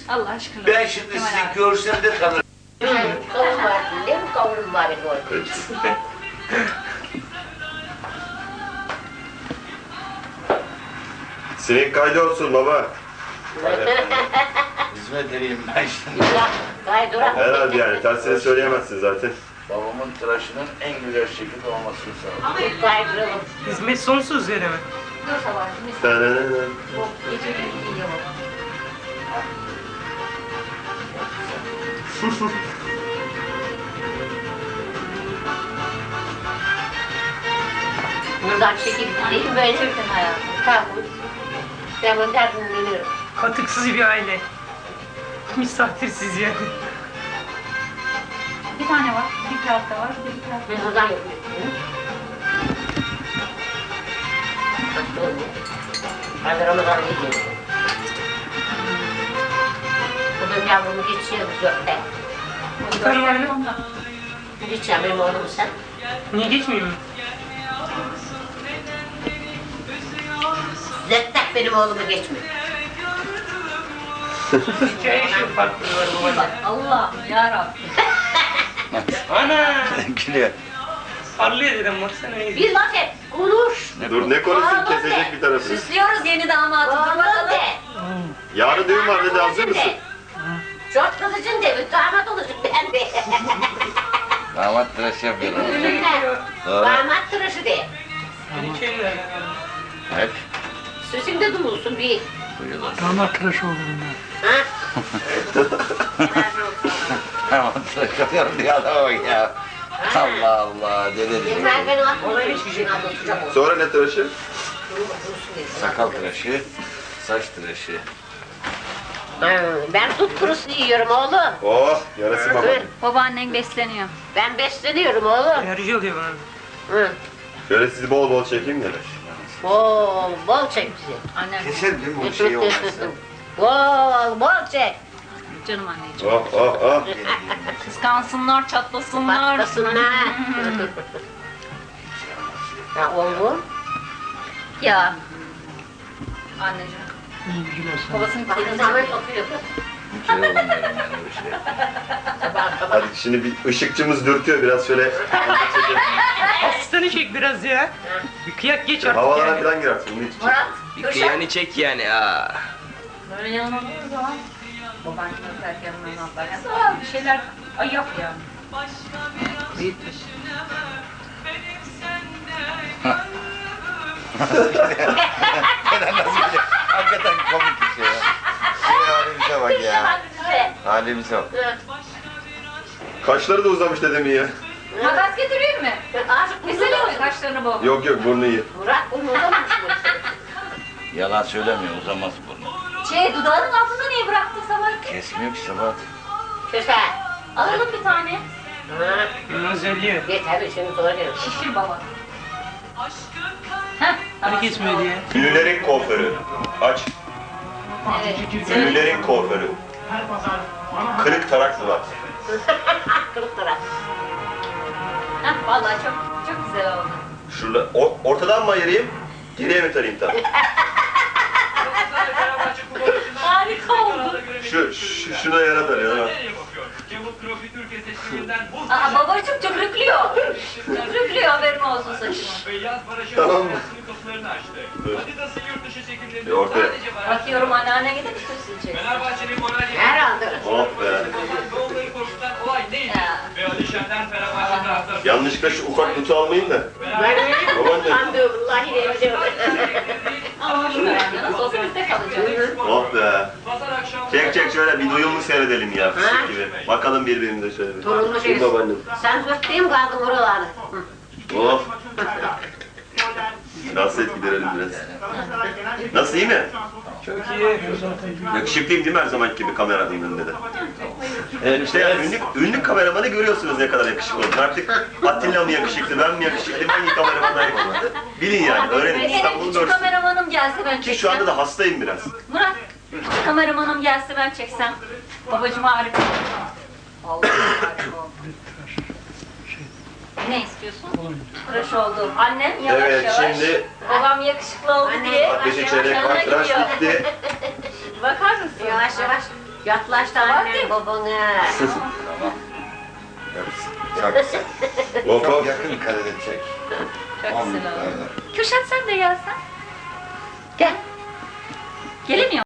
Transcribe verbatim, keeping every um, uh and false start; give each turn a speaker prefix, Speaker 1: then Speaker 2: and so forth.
Speaker 1: Allah aşkına.
Speaker 2: Ben şimdi
Speaker 1: Kemal
Speaker 2: sizi
Speaker 1: abi.
Speaker 2: görsem de tanırım.
Speaker 3: Kavun var, ne mi kavun var benim orada?
Speaker 4: Sinek kaydı olsun baba.
Speaker 2: Hizmet edeyim ben şimdi.
Speaker 3: Ya, kaydırak.
Speaker 4: Herhalde yani tersini söyleyemezsin zaten.
Speaker 2: Babamın tıraşının en güzel şekilde olmasını sağladım.
Speaker 3: Çok kaydıralım.
Speaker 5: Hizmet sonsuz yere mi?
Speaker 1: Dur sabahcığım. biz-
Speaker 4: Tananana.
Speaker 1: Yok, gece bir giyiyor.
Speaker 3: Buradan çekilip değil mi böyle?
Speaker 1: Çökün hayatım.
Speaker 3: Kavun. Ben bunu derdini biliyorum.
Speaker 5: Katıksız bir aile. Misafirsiz yani.
Speaker 1: Bir tane var, bir tarafta var, bir de bir tarafta
Speaker 3: Ben
Speaker 1: var.
Speaker 3: buradan yapıyorum. Ben de Ramazan'a gidiyorum. Bu benim yavrumu geçiyor biz yok be.
Speaker 5: Bir tane var mı?
Speaker 1: Ondan.
Speaker 3: Geçeceğim benim oğlumu sen.
Speaker 5: Niye geçmiyor mu?
Speaker 3: Zettek benim oğlumu geçmiyor.
Speaker 5: Hikaye şu farklı var bu arada.
Speaker 1: Allah yarabbim.
Speaker 5: Ana!
Speaker 2: Gülüyor.
Speaker 5: Parlıyor dedim baksana. iyi.
Speaker 3: Bir laf et, konuş.
Speaker 4: Dur ne konuşsun
Speaker 3: Bağırma
Speaker 4: kesecek
Speaker 3: be.
Speaker 4: bir tarafını.
Speaker 1: Süslüyoruz yeni damatı. Dur
Speaker 3: Bağırma
Speaker 1: bakalım.
Speaker 3: de.
Speaker 4: Yarın düğün var dedi hazır mısın?
Speaker 3: Çok kızıcın de, damat olacak ben de.
Speaker 2: Damat tıraş yapıyorlar. Doğru.
Speaker 3: Damat tıraşı de.
Speaker 5: Hikayeler.
Speaker 2: Hep.
Speaker 3: Süsünde durulsun bir.
Speaker 2: Buyurun.
Speaker 5: Damat tıraşı olur bunlar.
Speaker 3: Ha?
Speaker 2: Damat tıraş yapıyorum diye adama bak ya. Allah Allah. Deli
Speaker 3: Yeter
Speaker 2: deli.
Speaker 3: beni atma, hiçbir şey anlatacak olsun.
Speaker 4: Sonra ne tıraşı?
Speaker 2: Sakal tıraşı. Saç tıraşı.
Speaker 3: Ben tut kurusu yiyorum oğlum.
Speaker 4: Oh yarası baba.
Speaker 1: Babaannen besleniyor.
Speaker 3: Ben besleniyorum oğlum.
Speaker 5: Enerji oluyor bana.
Speaker 3: Hı.
Speaker 4: Şöyle sizi bol bol çekeyim de.
Speaker 3: Bol bol çek bizi.
Speaker 1: Annem.
Speaker 2: Keser değil mi bu şey olmazsa?
Speaker 3: Bol bol çek.
Speaker 1: Canım anneciğim.
Speaker 4: Oh oh oh.
Speaker 1: Kıskansınlar, çatlasınlar.
Speaker 3: Patlasın ha. Ha oğlum.
Speaker 1: Ya. Anneciğim. Babasının
Speaker 3: Bak
Speaker 1: kedisi.
Speaker 3: zaman oturuyor.
Speaker 2: Hiç şey olmuyorum ben öyle şey.
Speaker 3: Sabah sabah.
Speaker 4: Hadi şimdi bir ışıkçımız dürtüyor biraz şöyle.
Speaker 5: Asistanı çek biraz ya. Bir kıyak geç artık
Speaker 4: Havalara
Speaker 5: yani.
Speaker 4: falan girersin. Bunun için.
Speaker 3: Murat.
Speaker 6: Bir
Speaker 3: Kürşat.
Speaker 6: kıyanı çek yani aa.
Speaker 1: Böyle yanına durduğu zaman babaannem öperken ben atlarken sonra bir şeyler ay yap yani.
Speaker 2: Neden nasıl biliyor? Hakikaten komik bir şey ya. Şey halimize bak ya.
Speaker 3: Kürşat bize.
Speaker 2: Halimize bak.
Speaker 4: Kaşları da uzamış dedemin ya.
Speaker 1: Makas getireyim mi?
Speaker 3: Azıcık
Speaker 1: Mesela
Speaker 3: güzel
Speaker 1: mi kaşlarını bol?
Speaker 4: Yok yok burnu iyi.
Speaker 3: Murat bunu uzamamış mı?
Speaker 2: Yalan söylemiyor, uzamaz burnu.
Speaker 1: Şey dudağının altında niye bıraktın sabah?
Speaker 2: Kesmiyor ki sabah.
Speaker 3: Kürşat.
Speaker 1: Alalım bir tane.
Speaker 3: Ha.
Speaker 5: Bunu özelliyor.
Speaker 3: Yeter bir şimdi sonra gel.
Speaker 1: Şişir baba. Heh,
Speaker 5: Hani
Speaker 1: tamam.
Speaker 5: kesmiyor diye.
Speaker 4: Ünlülerin kuaförü. Aç.
Speaker 1: Evet.
Speaker 4: Ünlülerin kuaförü. Kırık taraklı var.
Speaker 3: Kırık taraf.
Speaker 1: Heh, vallahi çok çok güzel oldu.
Speaker 4: Şurada o- ortadan mı ayırayım? Geriye mi tarayayım tam?
Speaker 1: Harika oldu.
Speaker 4: Şu, şu şuna yara tarıyor ha.
Speaker 1: Aa babacım tükrüklüyor. Tükrüklüyor haberin olsun saçımı.
Speaker 4: Tamam mı? Bir ortaya.
Speaker 1: Bakıyorum anneanne gidip üstüne çeksin.
Speaker 3: Herhalde.
Speaker 4: Oh be. Yanlışlıkla şu ufak kutu almayın da.
Speaker 3: Ben öyle
Speaker 4: Babaanne.
Speaker 3: Ben de vallahi de evde.
Speaker 1: Ama şu herhalde nasıl olsa bizde kalacak.
Speaker 4: Oh be. Çek çek şöyle bir duyumlu seyredelim ya. Fıstık gibi. Bakalım birbirimize şöyle bir.
Speaker 3: Torunlu
Speaker 4: Değil
Speaker 3: şey.
Speaker 4: babaannem.
Speaker 3: Sen zıttayım kaldın oralarda.
Speaker 4: Oh. Rahatsız giderelim biraz. Nasıl iyi mi?
Speaker 5: Çok iyi.
Speaker 4: Yakışıklıyım değil mi her zamanki gibi kameranın önünde de? Evet işte yani ünlü, ünlü kameramanı görüyorsunuz ne kadar yakışıklı olduğunu. Artık Atilla mı yakışıklı, ben mi yakışıklı, ben iyi kameramanayım ama. Bilin yani, öğrenin.
Speaker 1: Benim
Speaker 4: İstanbul'u
Speaker 1: küçük
Speaker 4: görsün.
Speaker 1: kameramanım gelse ben çeksem.
Speaker 4: Ki şu anda da hastayım biraz.
Speaker 1: Murat, küçük kameramanım gelse ben çeksem. Babacım harika. Vallahi harika oldu. Ne istiyorsun? Tıraş oldu. Annem yavaş
Speaker 4: Evet
Speaker 1: yavaş.
Speaker 4: şimdi
Speaker 1: Babam yakışıklı oldu
Speaker 3: Anne,
Speaker 1: diye.
Speaker 4: ateşi çeyrek
Speaker 1: yanına
Speaker 4: var, tıraş
Speaker 1: gidiyor.
Speaker 4: bitti.
Speaker 1: Bakar mısın?
Speaker 3: Yavaş yavaş. Yaklaş da annem babana.
Speaker 2: Tamam. Hepsi. Çok güzel.
Speaker 4: Hop
Speaker 2: Çok
Speaker 4: hop.
Speaker 2: yakın karede çek.
Speaker 1: Çok
Speaker 2: On
Speaker 1: güzel oldu.
Speaker 2: numara.
Speaker 1: Kürşat sen de gelsen.
Speaker 3: Gel.
Speaker 1: Gelemiyor